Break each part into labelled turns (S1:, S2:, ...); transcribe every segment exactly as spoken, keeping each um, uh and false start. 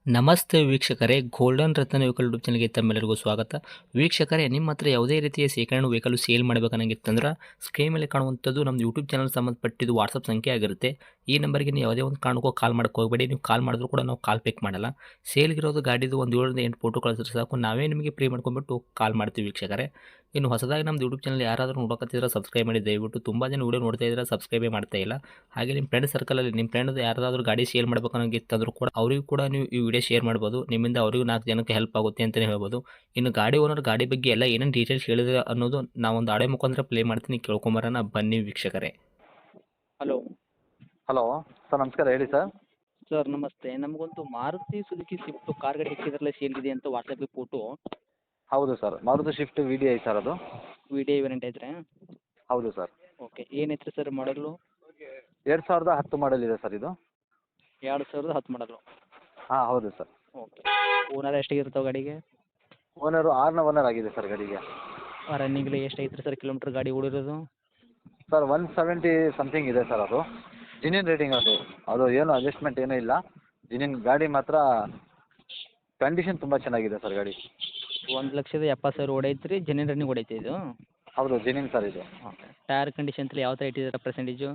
S1: ನಮಸ್ತೆ ವೀಕ್ಷಕರೇ, ಗೋಲ್ಡನ್ ರತ್ನ vehicle YouTube ಚಾನಲ್ಗೆ ತಮ್ಮೆಲ್ಲರಿಗೂ ಸ್ವಾಗತ. ವೀಕ್ಷಕರೇ, ನಿಮ್ಮ ಹತ್ರ ಯಾವುದೇ ರೀತಿಯ ಶೇಖರಣೆ ವೆಹಿಕಲ್ ಸೇಲ್ ಮಾಡಬೇಕನ್ನಂಗಿತ್ತಂದ್ರೆ ಸ್ಕ್ರೀನ್ ಮೇಲೆ ಕಾಣುವಂಥದ್ದು ನಮ್ಮ ಯೂಟ್ಯೂಬ್ ಚಾನಲ್ ಸಂಬಂಧಪಟ್ಟಿದ್ದು ವಾಟ್ಸಪ್ ಸಂಖ್ಯೆ ಆಗಿರುತ್ತೆ. ಈ ನಂಬರ್ಗೆ ನೀವು ಯಾವುದೇ ಒಂದು ಕಾರಣಕ್ಕೂ ಕಾಲ್ ಮಾಡೋಕ್ಕೆ ಹೋಗಬೇಡಿ. ನೀವು ಕಾಲ್ ಮಾಡಿದ್ರು ಕೂಡ ನಾವು ಕಾಲ್ ಪಿಕ್ ಮಾಡಲ್ಲ. ಸೇಲ್ಗಿರೋದು ಗಾಡಿದು ಒಂದು ಏಳರಿಂದ ಎಂಟು ಫೋಟೋ ಕಳಿಸಿದ್ರೆ ಸಾಕು, ನಾವೇ ನಿಮಗೆ ಪ್ರೀ ಮಾಡ್ಕೊಂಡ್ಬಿಟ್ಟು ಕಾಲ್ ಮಾಡ್ತೀವಿ ವೀಕ್ಷಕರೇ. ಇನ್ನು ಹೊಸದಾಗಿ ನಮ್ಮದು ಯೂಟ್ಯೂಬ್ ಚಾನಲ್ ಯಾರಾದರೂ ನೋಡೋಕತ್ತಿದ್ರೆ ಸಬ್ಸ್ಕ್ರೈಬ್ ಮಾಡಿ ದಯವಿಟ್ಟು. ತುಂಬ ಜನ ವೀಡಿಯೋ ನೋಡ್ತಾ ಇದ್ದಾರೆ, ಸಬ್ಸ್ಕ್ರೈಬೇ ಮಾಡ್ತಾ ಇಲ್ಲ. ಹಾಗೆ ನಿಮ್ಮ ಫ್ರೆಂಡ್ ಸರ್ಕಲಲ್ಲಿ ನಿಮ್ಮ ಫ್ರೆಂಡ್ ಯಾರಾದರೂ ಗಾಡಿ ಸೇಲ್ ಮಾಡಬೇಕನ್ನೋಂಗಿತ್ತಂದ್ರೂ ಕೂಡ ಅವರಿಗೂ ಕೂಡ ನೀವು ಈ ವಿಡಿಯೋ ಶೇರ್ ಮಾಡ್ಬೋದು. ನಿಮ್ಮಿಂದ ಅವರಿಗೂ ನಾಲ್ಕು ಜನಕ್ಕೆ ಹೆಲ್ಪ್ ಆಗುತ್ತೆ ಅಂತಲೇ ಹೇಳ್ಬೋದು. ಇನ್ನು ಗಾಡಿ ಓನರ್ ಗಾಡಿ ಬಗ್ಗೆ ಎಲ್ಲ ಏನೇನು ಡೀಟೇಲ್ಸ್ ಹೇಳಿದ್ರೆ ಅನ್ನೋದು ನಾವೊಂದು ಆಡೆ ಮುಖಾಂತರ ಪ್ಲೇ ಮಾಡ್ತೀನಿ, ಕೇಳ್ಕೊಂಬರೋಣ ಬನ್ನಿ ವೀಕ್ಷಕರೇ.
S2: ಹಲೋ
S3: ಹಲೋ ಸರ್, ನಮಸ್ಕಾರ. ಹೇಳಿ ಸರ್.
S2: ಸರ್ ನಮಸ್ತೆ. ನಮಗೊಂದು ಮಾರುತಿ ಸುಜುಕಿ ಸ್ವಿಫ್ಟ್ ಕಾರ್ ಗಾಡಿ ಹಾಕಿದ್ರಲ್ಲ ಸೇಲ್ಗಿದೆ ಅಂತ ವಾಟ್ಸಪ್ಗೆ ಫೋಟೋ
S3: ಹೌದು sir, Maruti Swift V D I sir ಅದು.
S2: ವಿಡಿಯೋ ವೇರಿಯಂಟ್ ಐತ್ರಿ?
S3: ಹೌದು ಸರ್.
S2: ಓಕೆ, ಏನೈತ್ರಿ ಸರ್ ಮಾಡಲು?
S3: ಎರಡು ಸಾವಿರದ ಹತ್ತು ಮಾಡಲ್ ಇದೆ ಸರ್ ಇದು.
S2: ಎರಡು ಸಾವಿರದ ಹತ್ತು ಮಾಡಲು.
S3: ಹಾಂ ಹೌದು ಸರ್.
S2: ಓಕೆ, ಓನರ್ ಎಷ್ಟಾಗಿರ್ತಾವೆ ಗಾಡಿಗೆ?
S3: ಓನರು ಆರನೇ ಓನರ್ ಆಗಿದೆ ಸರ್ ಗಾಡಿಗೆ.
S2: ರನ್ನಿಂಗ್ಲಿ ಎಷ್ಟು ಐತ್ರಿ ಸರ್ ಕಿಲೋಮೀಟ್ರ್ ಗಾಡಿ ಓಡಿರೋದು?
S3: ಸರ್ ಒನ್ ಸೆವೆಂಟಿ ಸಮಥಿಂಗ್ ಇದೆ ಸರ್ ಅದು. ಜಿನಿನ್ ರೇಟಿಂಗ್ ಅದು ಅದು ಏನು ಅಡ್ಜಸ್ಟ್ಮೆಂಟ್ ಏನೂ ಇಲ್ಲ. ಜಿನಿನ್ ಗಾಡಿ ಮಾತ್ರ ಕಂಡೀಷನ್ ತುಂಬ ಚೆನ್ನಾಗಿದೆ ಸರ್ ಗಾಡಿ.
S2: ಒಂದು ಲಕ್ಷದ ಎಪ್ಪತ್ತು ಸಾವಿರ ಓಡೈತ್ರಿ, ಜೆನ್ಯೂನ್ ರನ್ನಿಂಗ್ ಓಡೈತೆ ಇದು?
S3: ಹೌದು, ಜಿನಿನ್ ಸರ್ ಇದು.
S2: ಓಕೆ, ಟೈರ್ ಕಂಡೀಷನ್ ಯಾವ ಥರ ಇಟ್ಟಿದ್ದೀರಾ ಪರ್ಸೆಂಟೇಜು?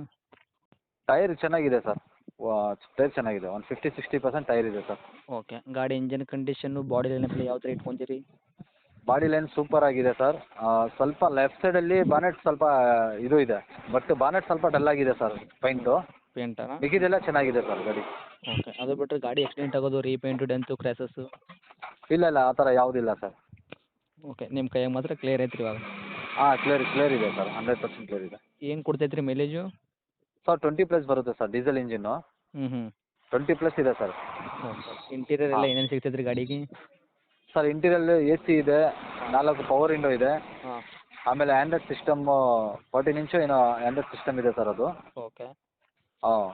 S3: ಟೈರ್ ಚೆನ್ನಾಗಿದೆ ಸರ್, ಟೈರ್ ಚೆನ್ನಾಗಿದೆ. ಒಂದು ಫಿಫ್ಟಿ ಸಿಕ್ಸ್ಟಿ ಪರ್ಸೆಂಟ್ ಟೈರ್ ಇದೆ ಸರ್.
S2: ಓಕೆ, ಗಾಡಿ ಇಂಜನ್ ಕಂಡೀಷನ್ನು ಬಾಡಿ ಲೈನ್ ಯಾವ ಥರ ಇಟ್ಕೊಂತೀರಿ?
S3: ಬಾಡಿ ಲೈನ್ ಸೂಪರ್ ಆಗಿದೆ ಸರ್. ಸ್ವಲ್ಪ ಲೆಫ್ಟ್ ಸೈಡಲ್ಲಿ ಬಾನೆಟ್ ಸ್ವಲ್ಪ ಇದು ಇದೆ, ಬಟ್ ಬಾನೆಟ್ ಸ್ವಲ್ಪ ಡಲ್ ಆಗಿದೆ ಸರ್ ಪೈಂಟು.
S2: ಪೇಂಟಾ?
S3: ಮಿಕ್ಕಿದೆಲ್ಲ ಚೆನ್ನಾಗಿದೆ ಸರ್ ಗಾಡಿ.
S2: ಓಕೆ, ಅದು ಬಿಟ್ಟರೆ ಗಾಡಿ ಆಕ್ಸಿಡೆಂಟ್ ಆಗೋದು, ರೀಪೇಂಟು, ಡೆಂತು, ಕ್ರ್ಯಾಸಸ್ಸು?
S3: ಇಲ್ಲ ಇಲ್ಲ, ಆ ಥರ ಯಾವುದಿಲ್ಲ ಸರ್.
S2: ಓಕೆ, ನಿಮ್ಮ ಕೈಯಾಗ ಮಾತ್ರ ಕ್ಲಿಯರ್ ಐತ್ರಿ ಇವಾಗ?
S3: ಹಾಂ, ಕ್ಲಿಯರ್ ಕ್ಲಿಯರ್ ಇದೆ ಸರ್, ಹಂಡ್ರೆಡ್ ಪರ್ಸೆಂಟ್ ಕ್ಲಿಯರ್ ಇದೆ.
S2: ಏನು ಕೊಡ್ತೈತೆ ರೀ ಮೈಲೇಜು?
S3: ಸರ್ ಟ್ವೆಂಟಿ ಪ್ಲಸ್ ಬರುತ್ತೆ ಸರ್, ಡೀಸೆಲ್ ಇಂಜಿನ್ನು.
S2: ಹ್ಞೂ ಹ್ಞೂ
S3: ಟ್ವೆಂಟಿ ಪ್ಲಸ್ ಇದೆ ಸರ್.
S2: ಓಕೆ, ಇಂಟೀರಿಯರ್ ಎಲ್ಲ ಏನೇನು ಸಿಗ್ತೈತೆ ರೀ ಗಾಡಿಗೆ?
S3: ಸರ್ ಇಂಟೀರಿಯಲ್ ಎ ಸಿ ಇದೆ, ನಾಲ್ಕು ಪವರ್ ವಿಂಡೋ ಇದೆ,
S2: ಹಾಂ.
S3: ಆಮೇಲೆ ಆ್ಯಂಡ್ರಾಯ್ಡ್ ಸಿಸ್ಟಮ್ಮು ಫೋರ್ಟೀನ್ ಇಂಚು ಏನೋ ಆ್ಯಂಡ್ರಾಯ್ಡ್ ಸಿಸ್ಟಮ್ ಇದೆ ಸರ್ ಅದು.
S2: ಓಕೆ,
S3: ಹಾಂ,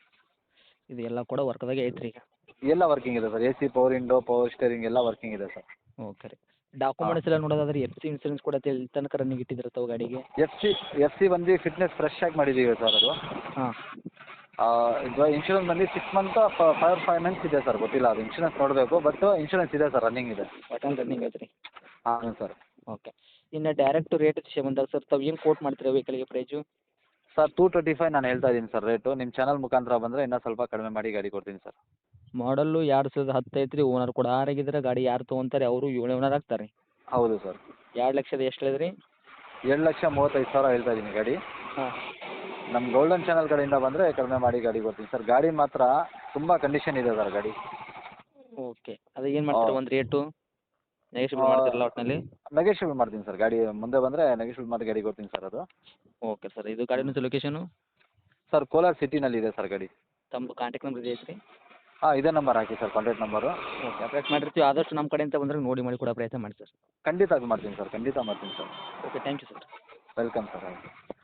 S2: ಇದು ಎಲ್ಲ ಕೂಡ ವರ್ಕ್ದಾಗೆ ಐತ್ರಿ ಈಗ?
S3: ಎಲ್ಲ ವರ್ಕಿಂಗ್ ಇದೆ sir. A C, power window, power steering ಎಲ್ಲ ವರ್ಕಿಂಗ್ ಇದೆ ಸರ್.
S2: ಓಕೆ ರೀ. ಡಾಕ್ಯುಮೆಂಟ್ಸ್ ಎಲ್ಲ ನೋಡೋದಾದ್ರೆ ಎಫ್ ಸಿ ಇನ್ಸೂರೆನ್ಸ್ ಕೂಡ ಎಲ್ಲಿ ತನಕ ರನ್ನಿಂಗ್ ಇಟ್ಟಿದ್ದಿರ್ತಾವೆ ಗಾಡಿಗೆ?
S3: ಎಫ್ ಸಿ ಎಫ್ ಸಿ ಬಂದು ಫಿಟ್ನೆಸ್ ಫ್ರೆಶ್ ಆಗಿ ಮಾಡಿದ್ದೀವಿ ಸರ್ ಅದು.
S2: ಹಾಂ.
S3: ಇದು ಇನ್ಶೂರೆನ್ಸ್ ಬಂದು six month five five months ಇದೆ ಸರ್, ಗೊತ್ತಿಲ್ಲ ಅದು ಇನ್ಶೂರೆನ್ಸ್ ನೋಡಬೇಕು, ಬಟ್ ಇನ್ಶೂರೆನ್ಸ್ ಇದೆ ಸರ್, ರನ್ನಿಂಗ್ ಇದೆ.
S2: ಒಟ್ಟಲ್ಲಿ ರನ್ನಿಂಗ್ ಐತ್ರಿ?
S3: ಹಾಂ ಸರ್.
S2: ಓಕೆ, ಇನ್ನು ಡೈರೆಕ್ಟ್ ರೇಟ್ ವಿಷಯ ಬಂದಾಗ ಸರ್ ತಾವು ಏನು ಕೋಟ್ ಮಾಡ್ತೀರಾ ವೆಹಿಕಲ್ಗೆ price?
S3: Sir two twenty five ನಾನು ಹೇಳ್ತಾ ಇದ್ದೀನಿ ಸರ್ ರೇಟು. ನಿಮ್ಮ ಚಾನಲ್ ಮುಖಾಂತರ ಬಂದರೆ ಇನ್ನೂ ಸ್ವಲ್ಪ ಕಡಿಮೆ ಮಾಡಿ ಗಾಡಿ ಕೊಡ್ತೀನಿ ಸರ್.
S2: ಮಾಡಲ್ಲು ಎರಡು ಸಾವಿರದ ಹತ್ತು ಐತ್ರಿ, ಓನರ್ ಕೂಡ ಆರಾಗಿದ್ರೆ ಗಾಡಿ ಯಾರು ತೊಗೊಂತಾರೆ ಅವರು ಏಳು ಓನರ್ ಆಗ್ತಾರೆ.
S3: ಹೌದು ಸರ್.
S2: ಎರಡು ಲಕ್ಷದ ಎಷ್ಟು ಹೇಳಿದ್ರಿ?
S3: ಎರಡು ಲಕ್ಷ ಮೂವತ್ತೈದು ಸಾವಿರ ಹೇಳ್ತಾ ಇದ್ದೀನಿ ಗಾಡಿ.
S2: ಹಾಂ.
S3: ನಮ್ಮ ಗೋಲ್ಡನ್ ಚಾನಲ್ ಕಡೆಯಿಂದ ಬಂದರೆ ಕಡಿಮೆ ಮಾಡಿ ಗಾಡಿ ಕೊಡ್ತೀನಿ ಸರ್. ಗಾಡಿ ಮಾತ್ರ ತುಂಬ ಕಂಡೀಷನ್ ಇದೆ ಸರ್ ಗಾಡಿ.
S2: ಓಕೆ, ಅದು ಏನು ಮಾಡ್ತೀರಾ ಒಂದು ರೇಟು ನೆಗೆಷಿಯಬಲ್ ಮಾಡ್ತೀರಲ್ಲ ಒಟ್ಟಿನಲ್ಲಿ?
S3: ನೆಗೆಷಿಯಬಲ್ ಮಾಡ್ತೀನಿ ಸರ್, ಗಾಡಿ ಮುಂದೆ ಬಂದರೆ ನೆಗೆಷಿಯಬಲ್ ಮಾಡಿ ಗಾಡಿ ಕೊಡ್ತೀನಿ ಸರ್ ಅದು.
S2: ಓಕೆ ಸರ್, ಇದು ಗಾಡಿನ ಲೊಕೇಶನು?
S3: ಸರ್ ಕೋಲಾರ ಸಿಟಿನಲ್ಲಿ ಇದೆ ಸರ್ ಗಾಡಿ.
S2: ತಮ್ಮ ಕಾಂಟ್ಯಾಕ್ಟ್ ನಂಬರ್ ಇದೆ ಐತ್ರಿ?
S3: ಹಾಂ, ಇದೇ ನಂಬರ್ ಹಾಕಿ sir, contact number.
S2: Okay, update ಮಾಡಿರ್ತೀವಿ. ಆದಷ್ಟು ನಮ್ಮ ಕಡೆಯಿಂದ ಬಂದರೆ ನೋಡಿ ಮಾಡಿ ಕೊಡೋ ಪ್ರಯತ್ನ ಮಾಡಿ ಸರ್.
S3: ಖಂಡಿತ ಮಾಡ್ತೀನಿ ಸರ್, ಖಂಡಿತ ಮಾಡ್ತೀನಿ sir.
S2: Okay, thank you sir.
S3: Welcome sir.